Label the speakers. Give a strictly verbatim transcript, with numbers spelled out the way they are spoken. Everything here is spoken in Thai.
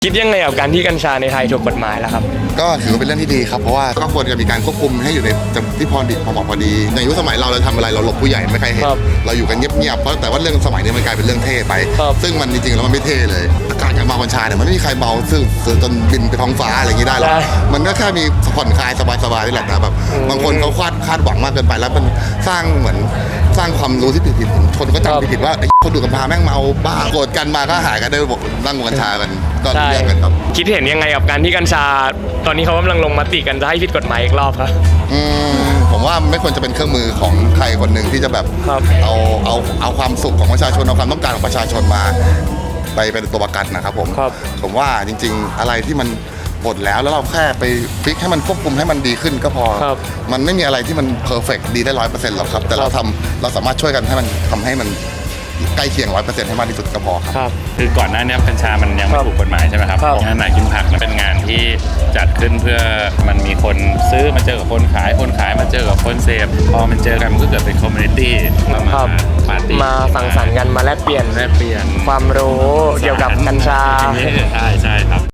Speaker 1: คิดยังไงกับการที่กัญชาในไทยถูกกฎหมายแล้วครับ
Speaker 2: ก็ถือว่าเป็นเรื่องที่ดีครับเพราะว่าก็ควรจะมีการควบคุมให้อยู่ในที่พอดีพอเหมาะพอดีในยุคสมัยเราเราทำอะไรเราหลบผู้ใหญ่ไม่ใครเห็นเราอยู่กันเงียบๆเพราะแต่ว่าเรื่องสมัยนี้มันกลายเป็นเรื่องเท่ไปซึ่งมันจริงๆแล้วมันไม่เท่เลยการการเมากัญชาเนี่ยมันไม่มีใครเมาซึ่งจนบินไปท้องฟ้าอะไรอย่างนี้ได้หรอกมันก็แค่มีผ่อนคลายสบายๆนี่แหละแต่แบบบางคนเขาคาดคาดหวังมากเกินไปแล้วมันสร้างเหมือนสร้างความรู้ที่ผิดๆคนก็จำผิดๆว่าไอ้คนดูกัญชาแม่งเมาบ้าโกรธกันมาก็หายกันได้บอกนั่งกัญชากันก็เรื่องกันครับ
Speaker 1: คิดเห็นยังไงกับการที่กัญชาตอนนี้เขากำลังลงมติกันจะให้ผิดกฎหมายอีกรอบครับ
Speaker 2: อืมผมว่าไม่ควรจะเป็นเครื่องมือของใครคนหนึ่งที่จะแบบเอาเอาเอาความสุขของประชาชนเอาความต้องการของประชาชนมาไปเป็นตัวประกันนะครับผมผมว่าจริงๆอะไรที่มันหมดแล้วแล้วเราแค่ไปฟิกให้มันควบคุมให้มันดีขึ้นก็พอมันไม่มีอะไรที่มันเพอร์เฟกต์ดีได้ร้อยเปอร์เซ็นต์หรอกครับแต่เราทำเราสามารถช่วยกันให้มันทำให้มันใกล้เคียงร้อยเปอร์เซ็นต์ให้มากที่สุดก็พอครับ
Speaker 3: คือก่อนหน้านี้กัญชามันยังไม่ถูกกฎหมายใช่ไหมครับงานหมายกินผักเป็นงานที่จัดขึ้นเพื่อมันมีคนซื้อมาเจอกับคนขายคนขายมาเจอกับคนเสพพอมันเจอกันมันก็เกิดเป็นคอมมูนิตี้มาปาร์ตี้
Speaker 1: มาสังสรรค์กันมาแลกเปลี่ยน
Speaker 3: แลกเปลี่ยน
Speaker 1: ความรู้เกี่ยวกับกัญชา
Speaker 3: ใช่ใช่ครับ